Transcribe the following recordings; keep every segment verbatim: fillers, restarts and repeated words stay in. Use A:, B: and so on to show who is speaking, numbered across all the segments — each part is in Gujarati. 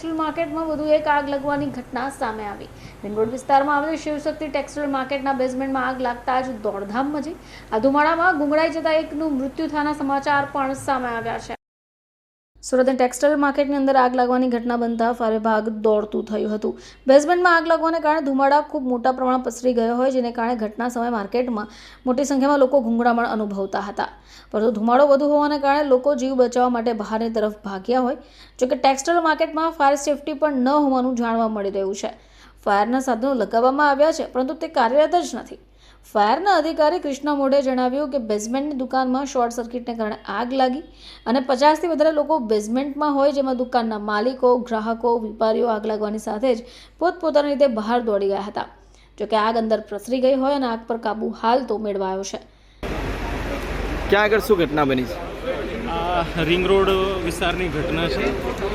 A: ટેક્સટાઇલ માર્કેટમાં વધુ એક આગ લાગવાની ઘટના સામે આવી। રિંગ રોડ વિસ્તારમાં આવેલ શિવશક્તિ ટેક્સટાઇલ માર્કેટના બેઝમેન્ટમાં આગ લાગતા જ દોડધામ મચી। આ ધુમાડામાં ગુંગળાઈ જતા એકનું મૃત્યુ થયાના સમાચાર પણ સામે આવ્યા છે। સુરતની ટેક્સટાઇલ માર્કેટની અંદર આગ લાગવાની ઘટના બનતા ફાયર વિભાગ દોડતું થયું હતું। બેઝમેન્ટમાં આગ લાગવાને કારણે ધુમાડા ખૂબ મોટા પ્રમાણમાં પસરી ગયો હોય, જેને કારણે ઘટના સમયે માર્કેટમાં મોટી સંખ્યામાં લોકો ગુંગળામણ અનુભવતા હતા, પરંતુ ધુમાડો વધુ હોવાને કારણે લોકો જીવ બચાવવા માટે બહારની તરફ ભાગ્યા હોય। જોકે ટેક્સટાઇલ માર્કેટમાં ફાયર સેફટી પણ ન હોવાનું જાણવા મળી રહ્યું છે। ફાયરના સાધનો લગાવવામાં આવ્યા છે, પરંતુ તે કાર્યરત જ નથી। ફાયરના અધિકારી કૃષ્ણા મોઢે જણાવ્યું કે બેઝમેન્ટની દુકાનમાં શોર્ટ સર્કિટને કારણે આગ લાગી અને પચાસથી વધારે લોકો બેઝમેન્ટમાં હોય, જેમાં દુકાનના માલિકો, ગ્રાહકો, વેપારીઓ આગ લાગવાની સાથે જ પોતપોતાની રીતે બહાર દોડી ગયા હતા। જોકે આગ અંદર પ્રસરી ગઈ હોય અને આગ પર કાબુ હાલ તો મેળવાયો છે।
B: ક્યાં આગળ શું ઘટના બની છે?
C: આ રિંગ રોડ વિસ્તારની ઘટના છે।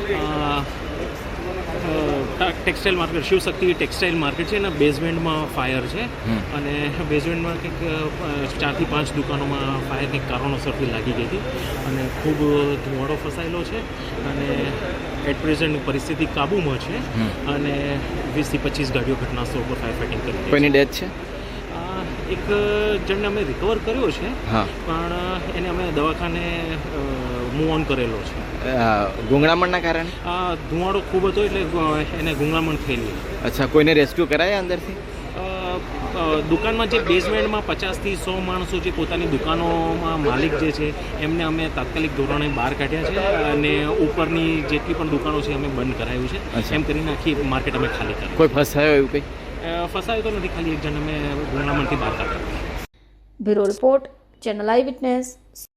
C: Textile market, Shivshakti textile market છે, એના બેઝમેન્ટમાં ફાયર છે અને બેઝમેન્ટમાં કંઈક ચારથી પાંચ દુકાનોમાં ફાયર કંઈક કારણોસરથી લાગી ગઈ હતી અને ખૂબ ધુમાડો ફસાયેલો છે અને એટ પ્રેઝન્ટ પરિસ્થિતિ કાબૂમાં છે અને વીસથી પચીસ ગાડીઓ ઘટના સ્થળ પર ફાયર ફાઇટિંગ કરી રહી છે।
B: કોઈની ડેથ છે?
C: એક જણને અમે રિકવર કર્યો છે, પણ એને અમે દવાખાને મૂવ ઓન કરેલો છે।
B: ગુંગળામણના કારણે
C: આ ધુમાડો ખૂબ હતો એટલે એને ગુંગળામણ થયેલી।
B: અચ્છા, કોઈને રેસ્ક્યુ કરાયા અંદરથી?
C: દુકાનમાં જે બેઝમેન્ટમાં પચાસથી સો માણસો જે પોતાની દુકાનોમાં માલિક જે છે એમને અમે તાત્કાલિક ધોરણે બહાર કાઢ્યા છે અને ઉપરની જેટલી પણ દુકાનો છે અમે બંધ કરાવ્યું છે। એમ કરીને આખી માર્કેટ અમે ખાલી કરી।
B: કોઈ ફસાયો એવું કંઈ?
C: ફસાયો તો નથી, ખાલી એક જણ અમે ગુંગળામણથી બહાર કાઢ્યા।
A: Bureau report, channel eye witness.